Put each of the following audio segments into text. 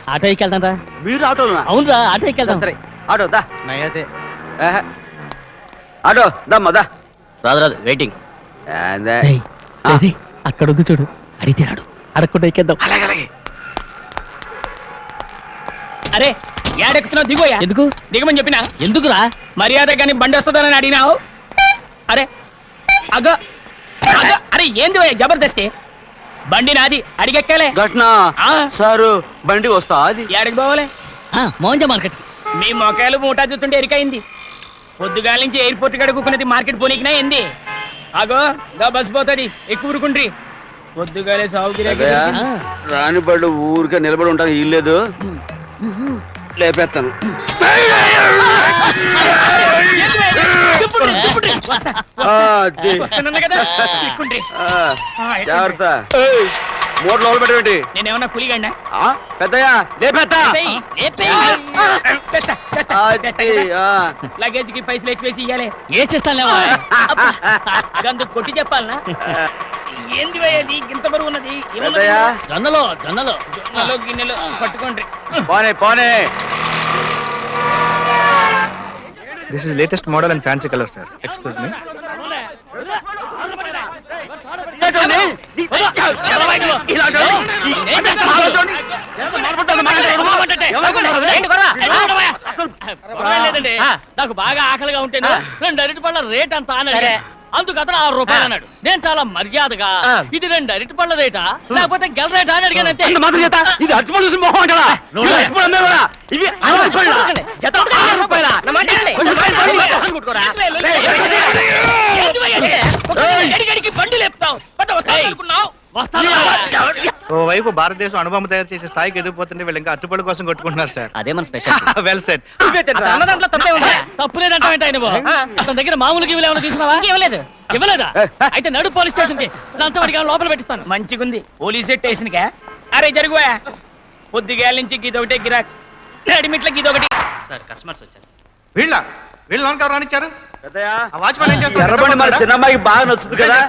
Auto ఎక్కి వెళ్తాం రా. మీరు ఆటోనా? అవునురా, ఆటో ఎక్కి వెళ్తాం. సరే ఆటో దా. నయ్యతే ఆటో దమ్మా దా. రాదు వెయిటింగ్. రేయ్, రేయ్, అక్కడ ఉంది చూడు, అడిగితే రాడు, అడగకుండా ఎక్కేద్దాం. అలాగే అరే ఏడెక్కుతున్నావు? దిగోయా. ఎందుకు దిగమని చెప్పినా? ఎందుకురా? మర్యాద కానీ బండి వస్తుందని అడిగినావు. అరే అగ అగ అరే ఏంది భయ్యా జబర్దస్తి? బండి నాది, అడిగెక్కాలే. ఘటన ఆ. సారు బండి వస్తా అది ఏడకి పోవాలే? మోహన్జా మార్కెట్. మీ మొక్కలు మూటా చూస్తుంటే ఎరికైంది. పొద్దుగాల నుంచి ఎయిర్పోర్ట్ కాడ కూకున్నది మార్కెట్ పోనీకినా ఏంది? అగో గా బస్ పోతుంది, ఎక్కువ ఊరుకుండ్రి. పొద్దుగాలే సాగుగిరి రాని బళ్ళు ఊరికే నిలబడి ఉంటాను, ఇల్లేదు లేపేస్తాను. జాగ్రత్త. మూట లోపల పెట్టేటి. నేనేమన్నా పులిగండా? పెద్దయ్యా లేపేస్తా. లగేజ్ కి పైసలు ఎక్కువేసి ఇయ్యాలి. ఏ చేస్తాను గందుకు కొట్టి చెప్పాలనా? ఏంది భయ్యది ఇంత బరువు ఉన్నది? పెద్దయ్యా జొన్నలో జొన్నలో జొన్నలో గిన్నెలో పట్టుకోండి. పోనే పోనే. This is latest model and fancy colour sir. Excuse me. లేదండి, నాకు బాగా ఆకలిగా ఉంటేనే 2 అరటి పళ్ళ రేట్ అంత అన్నాడు. అందుకు అతను 6 రూపాయలు అన్నాడు. నేను చాలా మర్యాదగా ఇది 2 అరటి పళ్ళ రేటా లేకపోతే గెల రేటా అని అడిగాను. అంతే. ఇది అరటిపళ్ళు చూసి మొహం అంటారా? ఇవి బండి లేపుతావు అనుకున్నావు. ఓవైపు భారతదేశం అనుభవం తయారు చేసే స్థాయికి ఎదిగిపోతుంటే వీళ్ళు ఇంకా అట్టుపడి కోసం కొట్టుకుంటున్నారు సార్. అదే మన స్పెషల్. Well set. దాంట్లో తప్పే ఉందా? తప్పు లేదంటే ఆయన అతని దగ్గర మామూలుగా ఇవ్వలేమో తీసుకున్నావా? ఇవ్వలేదు. ఇవ్వలేదా? అయితే నడు పోలీస్ స్టేషన్ కి లంచం అడిగా లోపల పెట్టిస్తాను. మంచిగుంది పోలీస్ స్టేషన్ కా? అరే జరుగుయా, పొద్దుగాల నుంచి గీదొకటే గిరాక్, అడిమిట్ల గీదొకటి. సార్ కస్టమర్స్ వచ్చారు. వీళ్ళ లోన్ కవర్ రానిచ్చారు. పెద్దయ్యా వాచ్మెన్ ఏం చేస్తున్నాడు? ఎర్రబండి మన చిన్నమ్మాయికి బాగా నచ్చుతుంది కదా.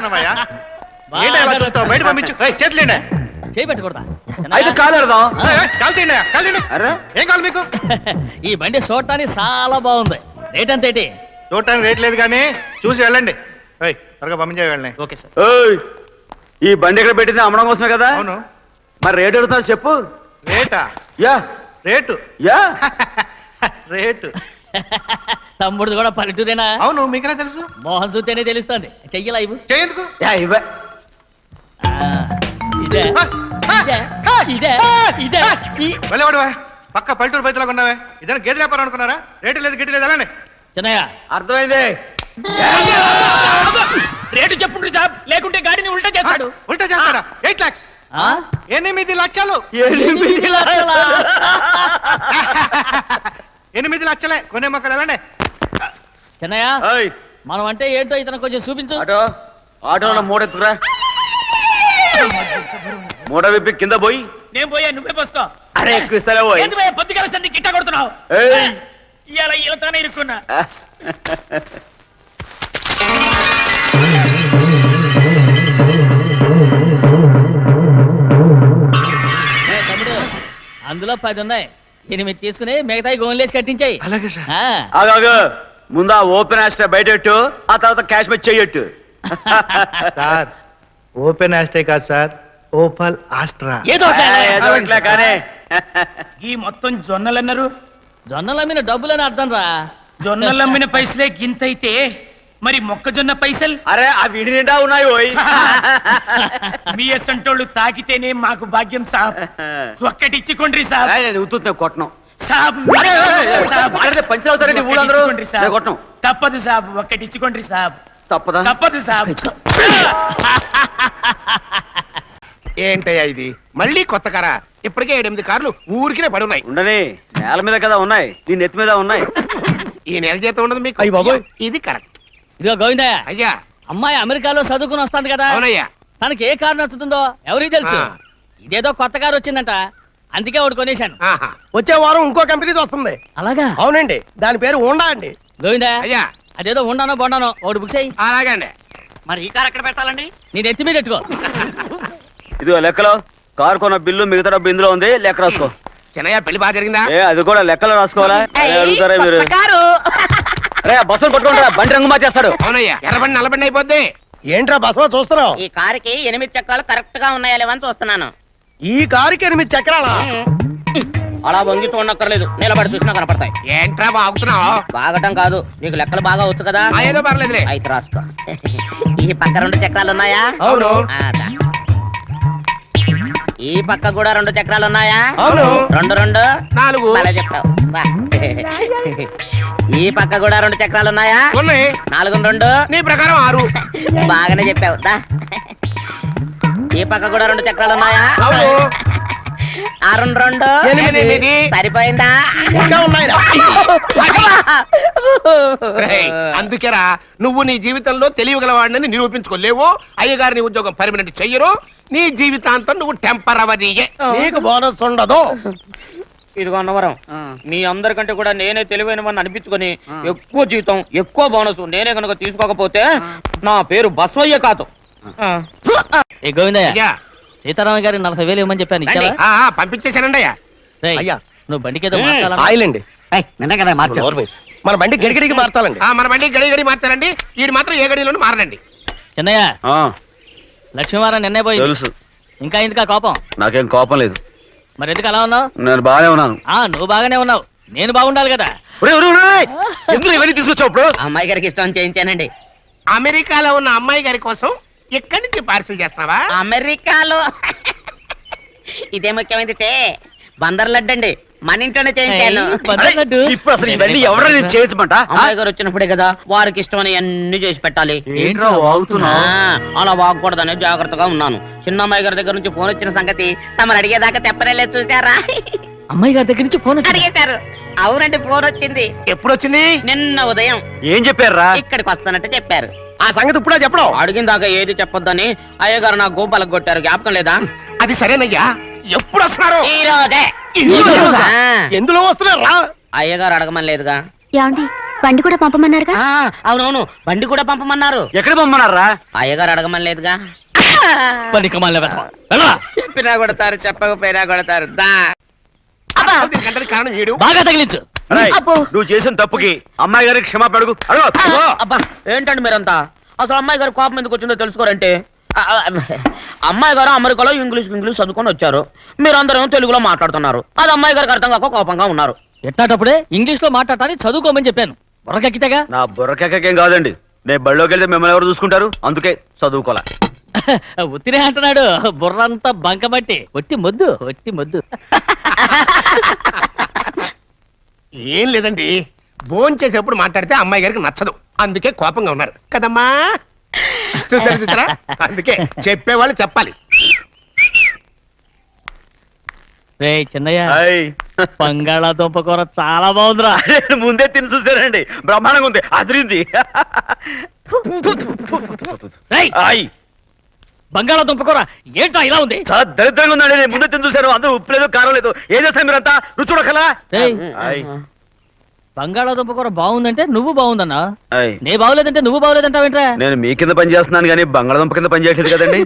బయట పంపించు. చేతులేండి. చేయి పెట్టకూడదా? అయితే కాలేడదాం. అరే ఏం కావాలి మీకు? ఈ బండి చూడటానికి చాలా బాగుంది. రేట్ అంత ఏంటి? చూడటానికి రేట్ లేదు కానీ చూసి వెళ్ళండి. త్వరగా పంపించే వెళ్ళండి. Okay sir. ఈ బండి ఎక్కడ పెట్టింది? అమ్మడం కోసమే కదా. అవును. మరి రేట్ అడుగుతారు చెప్పు. రేటా? యా రేటు యా రేటు. తమ్ముడు కూడా పల్లెటూరేనా? అవును. మీకెలా తెలుసు? మోహన్ చూస్తేనే తెలుస్తుంది. చెయ్యలా ఇవ్వు. చేయందుకు? యా ఇవ్వ. ఇదే ఇదే ఇదే వెళ్ళవాడు పక్క పల్లెటూరు బయటలాగా ఉన్నావే. ఇదైనా గేదె వ్యాపారం అనుకున్నారా? రేటు లేదు గిట్టి లేదు అలానే. చిన్నయ్య అర్థమైంది. రేటు చెప్పుండ్రి సాబ్, లేకుంటే గాడిని ఉల్టా చేస్తాడు. ఉల్టా చేస్తాడా? 8 lakhs. 8 లక్షలు. 8 లక్షలా? 8 లక్షలే. కొనే మొక్కలు ఎలాండి? చిన్నయ్య ఏయ్, మనం అంటే ఏంటో ఇతను కొంచెం చూపించు. ఆటోలో మూడ ఎత్తుకురా. మూడ విప్పి కింద పోయి. నేను పోయా, నువ్వే పోసుకో. అరే ఎక్కువ ఇస్తాలే పోయి. ఏంది భయ్యా పొద్దుగాల సంది గిట్ట కొడుతున్నావు? ఏయ్, ఇవాళ ఈలతానే ఇరుక్కున్నా. తమ్ముడు అందులో 10 ఉన్నాయి. 8 తీసుకుని మిగతాయి గోన్లేసి కట్టించాయి. అలాగే సార్. ఆగాగు. ముందు ఆ ఓపెన్ ఆస్ట్రా బయట పెట్టు, ఆ తర్వాత క్యాష్ మీద చెయ్యట్టు. సార్ ఓపెన్ ఆస్ట్రే కాదు సార్, ఓపల్ ఆస్ట్రా. ఏదో ఒకటి. కానీ ఈ మొత్తం జొన్నలు అన్నారు. జొన్నలు అమ్మిన డబ్బులని అర్థం రా. జొన్నలు అమ్మిన పైసలే గింతైతే మరి మొక్కజొన్న పైసలు? అరే ఆ విడి నిండా ఉన్నాయి ఓయ్. మీ అసంటోళ్ళు తాకితేనే మాకు భాగ్యం సాబ్. ఒక్కటి ఇచ్చుకోండి సాబ్. నేను ఉత్తున్నా కొట్టను. సాబ్ పంచర్ అవుతారండి ఊళ్ళందరూ. కొట్టను. తప్పదు సాబ్, ఒక్కటి ఇచ్చుకోండి సాబ్. తప్పదా? తప్పదు సాబ్. ఏంటయ్యా ఇది? మళ్ళీ కొత్త కారా? ఇప్పటికే 7-8 కార్లు ఊరికినే పడున్నాయి. ఉండని, నేల మీద కదా ఉన్నాయి, నీ నెత్తి మీద ఉన్నాయి. ఈ నెల జీతం ఉండదు మీకు? అయ్య బాబోయ్. ఇది కరెక్ట్. ఇదిగో గోవిందయ్య, అయ్యా అమ్మాయి అమెరికాలో చదువుకుని వస్తాంది కదా. అవునయ్యా. తనకి ఏ కారు నచ్చుతుందో ఎవరికి తెలుసు. ఇదేదో కొత్త కారు వచ్చిందంట, అందుకే ఒకటి కొనేశాను. వచ్చే వారం ఇంకో కంపెనీది వస్తుంది. అలాగా? అవునండి, దాని పేరు హోండా అండి. గోవిందయ్య, అయ్యా అదేదో ఉండానో బొండానో ఒకటి బుక్ చేయి. అలాగండి. మరి ఈ కార్ ఎక్కడ పెట్టాలండి? నేను ఎత్తి మీద పెట్టుకో. ఇదిగో లెక్కలో కారు కొన్న బిల్లు, మిగతా డబ్బు ఇందులో ఉంది, లెక్క రాసుకో. చిన్నయ్య పెళ్లి బాగా జరిగిందా? ఏ అది కూడా లెక్కలో రాసుకోవాలా? అదే అడుగుతారా మీరు? రే బస్సులు పట్టుకుంటారా, బండి రంగు మార్చేస్తాడు. అవునయ్యా, ఎర్రబండి నల్లబండి అయిపోద్ది. ఏంట్రా బసవ చూస్తున్నావు? ఈ కారుకి 8 చక్రాలు కరెక్ట్ గా ఉన్నాయా లేవని చూస్తున్నాను. ఈ కారుకి 8 చక్రాలా? అలా వంగి చూడక్కర్లేదు, నిలబడి చూసినా కనపడతాయి. ఏంట్రా బాగుతున్నావు? బాగటం కాదు, నీకు లెక్కలు బాగా వచ్చు కదా. ఏదో పర్లేదులే. అయితే రాసుకో. ఈ పక్క 2 చక్రాలు ఉన్నాయా? అవును. దా. ఈ పక్క కూడా 2 చక్రాలు ఉన్నాయా? అవును. 2 2 4. అలా చెప్తావు. బా. ఈ పక్క కూడా 2 చక్రాలు ఉన్నాయా? ఉన్నాయి. 4 2 నీ ప్రకారం 6. బాగానే చెప్పావు. దా. ఈ పక్క కూడా 2 చక్రాలు ఉన్నాయా? అవును. 6 2 8. సరిపోయిందా? ఇంకా ఉన్నాయిరా. రేయ్, అందుకేరా నువ్వు నీ జీవితంలో తెలియగలవాడిని నిరూపించుకోలేవు. అయ్యగారి ఉద్యోగం పర్మనెంట్ చెయ్యరు. నీ జీవితాంతం నువ్వు టెంపరవరీయే. నీకు బోనస్ ఉండదు. ఇదిగో అన్నవరం, మీ అందరికంటే కూడా నేనే తెలివైన వాడిని అనిపించుకొని ఎక్కువ జీతం ఎక్కువ బోనస్ నేనే కనుక తీసుకోకపోతే నా పేరు బస్వయ్య కాదు. ఏ గోవిందయ్య, అయ్యా, సీతారామ గారి 40,000 ఇవ్వమని చెప్పాను, ఇచ్చావా? పంపించేశానండి అయ్యా. రేయ్, అయ్యా. నువ్వు బండికేదో మార్చాలా? ఆయిల్ అండి. నిన్న కదా నోరు మూయి. మన బండి గడిగడికి మార్చాలండి. మన బండి గడి గడి మార్చారండి. వీడు మాత్రం ఏ గడిలోనూ మారనండి. చిన్నయ్య, ఆ, లక్ష్మీవారం నిన్నే పోయింది. తెలుసు. ఇంకా ఎందుకా కోపం? నాకేం కోపం లేదు, మరి ఎందుకు అలా ఉన్నావు? నేను బాగానే ఉన్నాను. నువ్వు బాగానే ఉన్నావు, నేను బాగుండాలి కదా. ఎందుకు ఇవన్నీ తీసుకొచ్చావు ఇప్పుడు? అమ్మాయి గారికి ఇష్టం చేయించానండి. అమెరికాలో ఉన్న అమ్మాయి గారి కోసం ఎక్కడి నుంచి పార్సిల్ చేస్తున్నావా? అమెరికాలో ఇదే ముఖ్యమైనది బందర్ లడ్డు అండి, మన ఇంట్లోనే చేయించాను. బందర్ లడ్డు? ఇప్పుడు అసలు ఇవన్నీ ఎవరైనా చేయించమంట? అమ్మాయి గారు వచ్చినప్పుడే కదా వారికి ఇష్టమని అన్ని చేసి పెట్టాలి. ఏంట్రా వాగుతున్నావ్? అలా వాగకూడదని జాగ్రత్తగా ఉన్నాను. చిన్న అమ్మాయి గారి దగ్గర నుంచి ఫోన్ వచ్చిన సంగతి తమరు అడిగేదాకా చెప్పలేదు, చూసారా? అమ్మాయి గారి దగ్గర నుంచి ఫోన్ వచ్చింది. అడిగేశారు. అవునండి, ఫోన్ వచ్చింది ఎప్పుడు వచ్చింది? నిన్న ఉదయం. ఏం చెప్పారా? ఇక్కడికి వస్తానంటే చెప్పారు. ఆ సంగతి ఇప్పుడే చెప్పడం. అడిగిన దాకా ఏది చెప్పొద్దని అయ్యగారు నా గోపాలకు కొట్టారు, జ్ఞాపకం లేదా? అది సరేనయ్యా, ఎప్పుడు వస్తున్నారు? ఈ రోజే. ఎందులో వస్తున్నారా? అయ్యగారు అడగమని లేదుగా. ఏమండి బండి కూడా పంపమన్నారుగా? అవునవును, బండి కూడా పంపమన్నారు. ఎక్కడ పొమ్మన్నారా? అయ్యగారు అడగమని లేదుగా. చెప్పినా కొడతారు, చెప్పకపోయినా కొడతారు. దా. దీనికి గంటకి కారణం వీడు. బాగా తగిలించు. రేయ్, నువ్వు చేసిన తప్పుకి అమ్మాయి గారికి క్షమాపణ అడుగు. అబ్బా, ఏంటండి మీరంతా? అసలు అమ్మాయి గారు కోపం ఎందుకు వచ్చిందో తెలుసుకోరంటే, అమ్మాయి గారు అమెరికాలో ఇంగ్లీష్ చదువుకొని వచ్చారు, మీరందరూ తెలుగులో మాట్లాడుతున్నారు. అది అమ్మాయి గారికి అర్థం కాక కోపంగా ఉన్నారు. ఎట్టాటప్పుడే ఇంగ్లీష్ లో మాట్లాడాలని చదువుకోమని చెప్పాను. బుర్రకెక్కితేగా. నా బుర్రకేకేం కాదండి, నేను బళ్ళోకి వెళ్తే మిమ్మల్ని ఎవరు చూసుకుంటారు, అందుకే చదువుకోలే. ఉత్తినే అంటున్నాడు, బుర్రంతా బంకబట్టి. ఒట్టి మొద్దు, ఒట్టి మొద్దు. ఏం లేదండి, భోజనం చేసేప్పుడు మాట్లాడితే అమ్మాయి గారికి నచ్చదు, అందుకే కోపంగా ఉన్నారు కదమ్మా. చూసారా? అందుకే చెప్పేవాళ్ళు చెప్పాలి. రే చిన్నయ్య, హాయ్. బంగాళాదుంప కూర చాలా బాగుందిరా. నేను ముందే తిని చూసానండి, బ్రహ్మాండంగా ఉంది, అదిరింది. రేయ్, హాయ్. బంగాళాదుంప కూర ఏంటా ఇలా ఉంది? చాలా దరిద్రంగా ఉందండి, నేను ముందే తిని చూశాను, అందరూ ఉప్పు లేదు కారం లేదు. ఏం చేస్తారు మీరంతా? రుచి చూడకలా. రేయ్, హాయ్. బంగాళాదుంప కూర బాగుందంటే నువ్వు బాగుందన్నా, హాయ్. నే బాగులేదంటే నువ్వు బాగులేదంటావేంట్రా? నేను మీ కింద పని చేస్తున్నాను కానీ బంగాళదుంప కింద పని చేయట్లేదు కదండి.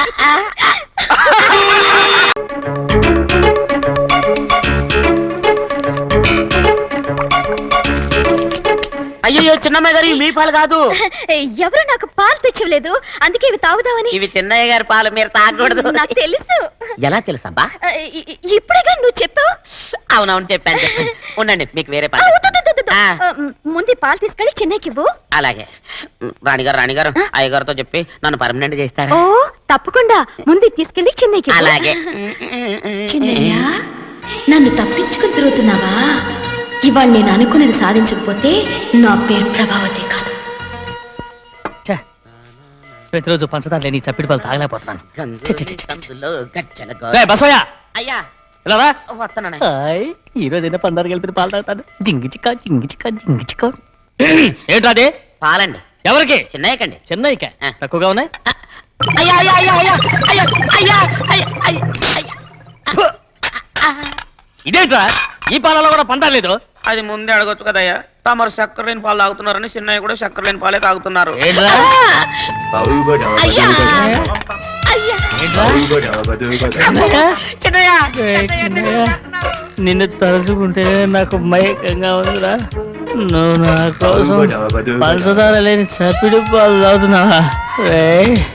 అయ్యో, చిన్నమ్మాయి గారు మీ పాలు కాదు. ఎవరు నాకు పాలు తెచ్చివ్వలేదు, అందుకే ఇవి తాగుదామని. ఇవి చిన్నయ్య గారి పాలు, మీరు తాగకూడదు. నాకు తెలుసు. ఎలా తెలుసబ్బా? ఇప్పుడేగా నువ్వు చెప్పావు. అవునవును, చెప్పాను. ఉండండి, మీకు వేరే ఆ, పాలు. వద్దు, వద్దు, వద్దు. ఆ. ముందు ఈ పాలు తీసుకెళ్ళి చెన్నైకి ఇవ్వు. అలాగే. రాణిగారు అయ్యగారితో చెప్పి నన్ను పర్మనెంట్ చేస్తారా? ఓ తప్పకుండా, ముందు ఇది తీసుకెళ్ళి చెన్నైకి ఇవ్వు. అలాగే. చిన్నయ్య, నన్ను తప్పించుకుని తిరుగుతున్నావా? ఇవాళ నేను అనుకున్నది సాధించకపోతే నా పేరు ప్రభావతి కాదు. ఛే, ప్రతిరోజు పంచదార లేని ఈ చప్పిడి పాలు తాగలేకపోతున్నాను. రేయ్, బసవయ్య, అయ్యా, ఇలా రా. వస్తున్నాను. హాయ్, ఈ రోజైనా పందారు కలిపి పాలు తాగుతాను. జింగి చిక్క జింగి చిక్క జింగి చిక్క. ఏంట్రా అది? పాలండి. ఎవరికి? చిన్నయ్యకండి. చెన్నైకా? ఆ. తక్కువగా ఉన్నాయి. అయ్యా అయ్యా అయ్యా అయ్యా అయ్యా అయ్యా అయ్యా అయ్యా అయ్యా. ఇదేంట్రా, ఈ పాలలో కూడా పందారు లేదు? అది ముందే అడగొచ్చు కదయ్యా. తమరు చక్కెర లేని పాలు తాగుతున్నారని చిన్నయ్య కూడా చక్కెర లేని పాలే తాగుతున్నారు. ఏంట్రా? అయ్యా అయ్యా ఏంట్రా? చిన్నయ్య? చిన్నయ్య ఏయ్, చిన్నయ్య. నిన్ను తలుచుకుంటే నాకు మైకంగా ఉందిరా. నువ్వు నా కోసం పంచదార లేని చప్పిడి పాలు తాగుతున్నావా రే?